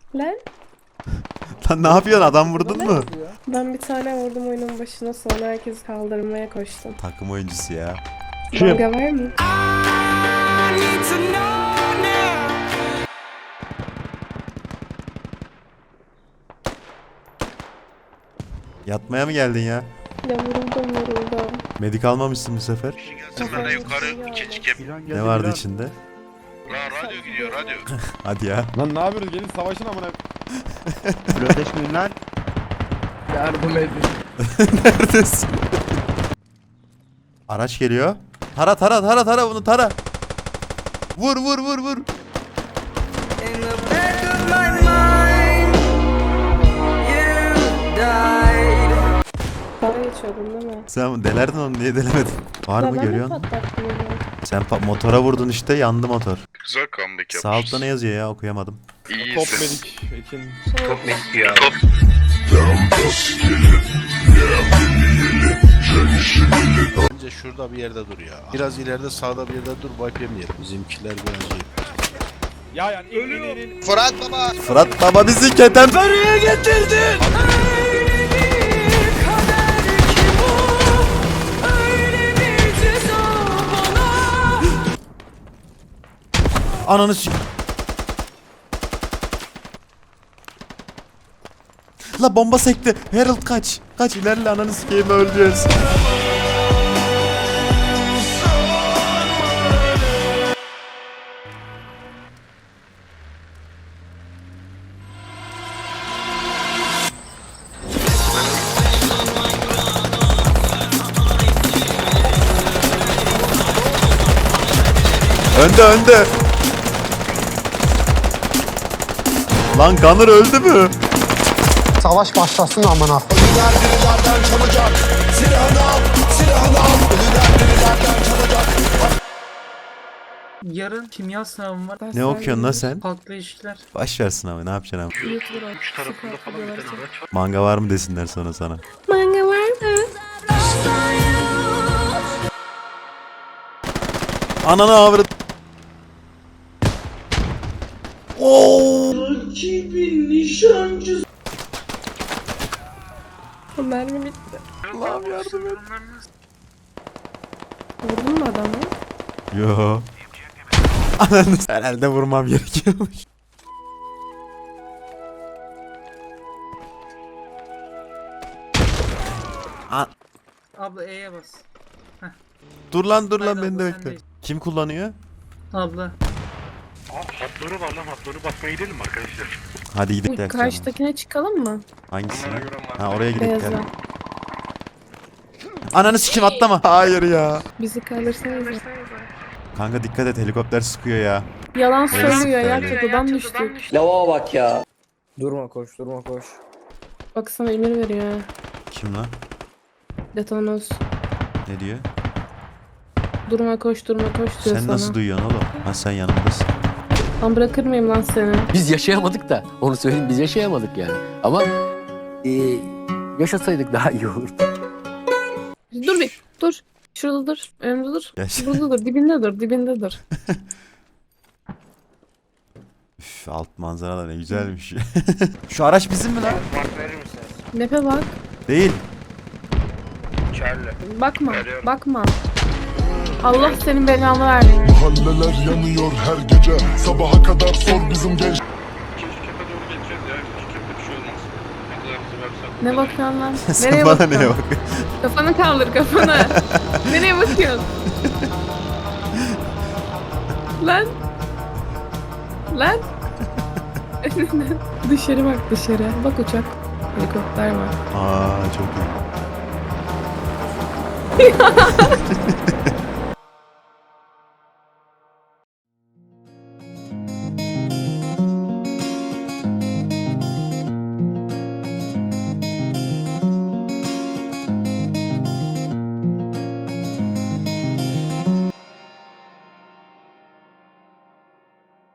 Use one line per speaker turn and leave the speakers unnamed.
Lan
Lan ne yapıyorsun? Adam vurdun mu?
ben bir tane vurdum oyunun başına, sonra herkes kaldırmaya koştum.
Takım oyuncusu ya.
Manga var mı?
Yatmaya mı geldin ya?
Ya vuruldum.
Medik almamışsın bu sefer.
Gelsin ben de yukarı çekeyim.
Ne vardı içinde?
Lan radyo gidiyor radyo.
Hadi ya.
Lan ne yapıyoruz? Gelin savaşın amına.
Flörtleşmeyin lan.
Yardım edin.
Neredesin? Araç geliyor. Tara bunu tara. Vur.
Bana geçiyordun değil mi?
Sen delerdin onu, niye delemedin? Var mı, görüyorsun?
Patlattım onu.
Sen motora vurdun işte, yandı motor.
Güzel comeback yapmışız.
Sağ altta ne yazıyor ya, okuyamadım.
Top
İyisin.
medik. Ekin.
Top medik ya. Top.
Bence şurada bir yerde dur ya. Biraz ileride sağda bir yerde dur, wipe yemeyelim. Bizimkiler biraz iyi.
Ya yani ölüyor.
Fırat baba.
Fırat baba bizi keten. Ananı s***. La bomba sekti. Harold kaç. Kaç, ilerle, ananı s**eyim, öleceğiz. Önde. Lan Gunner öldü mü?
Savaş başlasın amına.
Yarın kimya sınavım var.
Ne okuyorsun lan sen?
Halkla ilişkiler.
Baş versin abi, ne yapacaksın abi?
YouTuber
Üç tarafında falan bir tane araç var.
Manga var mı desinler sonra sana.
Manga var mı?
Ananı avrat. Oo!
Mermi bitti. Allah'ım yardım et. Vurdun mu adamı?
Yo. Ananı herhalde vurmam gerekiyormuş.
Abla E'ye bas.
Dur lan
Haydi
beni
abla,
de
sen
bekle.
de.
Kim kullanıyor?
Abla.
Hatları var lan, hatları bakmaya gidelim mi arkadaşlar?
Hadi
Bu
gidelim.
karşıdakine çıkalım mı?
Hangisine?
Onlara göre
Ha, oraya gidelim.
Beyazla.
Gel. Ananı sikim, atlama. Hayır ya.
Bizi kaldırsanız.
Kanka dikkat et, helikopter sıkıyor ya.
Yalan söylüyor ya,
söylüyor.
çatıdan düştük.
Lavuğa bak ya.
Durma koş.
Bak sana emir veriyor ha.
Kim lan?
Detonos.
Ne diyor?
Durma koş diyor
Sen
sana.
nasıl duyuyorsun oğlum? Ha, sen yanımdasın.
Lan bırakır mıyım lan seni?
Biz yaşayamadık da. Onu söyleyeyim, biz yaşayamadık yani. Ama yaşasaydık daha iyi olurdu.
Dur bir, dur. Şurada dur, önümde dur.
Geç.
Burada dur, dibinde dur.
Üf, alt manzara da ne güzelmiş. Şu araç bizim mi lan?
Mark verir misiniz?
Nepe bak.
Değil.
Charlie.
Bakma,
Veriyorum.
bakma. Allah senin belanı versin.
Mahalleler yanıyor her gece. Sabaha kadar sor bizim genç.
İkinci kepe doğru geçeceğiz ya. İkinci kepe bir şey olmaz. Ne kadar bizi versen.
Ne bakıyorsun lan?
Sen
Nereye
bana
bakıyorsun?
neye bakıyorsun?
Kafanı kaldır, kafanı. Nereye bakıyorsun? Lan. Dışarı bak, dışarı. Bak uçak. Helikopter var.
Aa, çok iyi.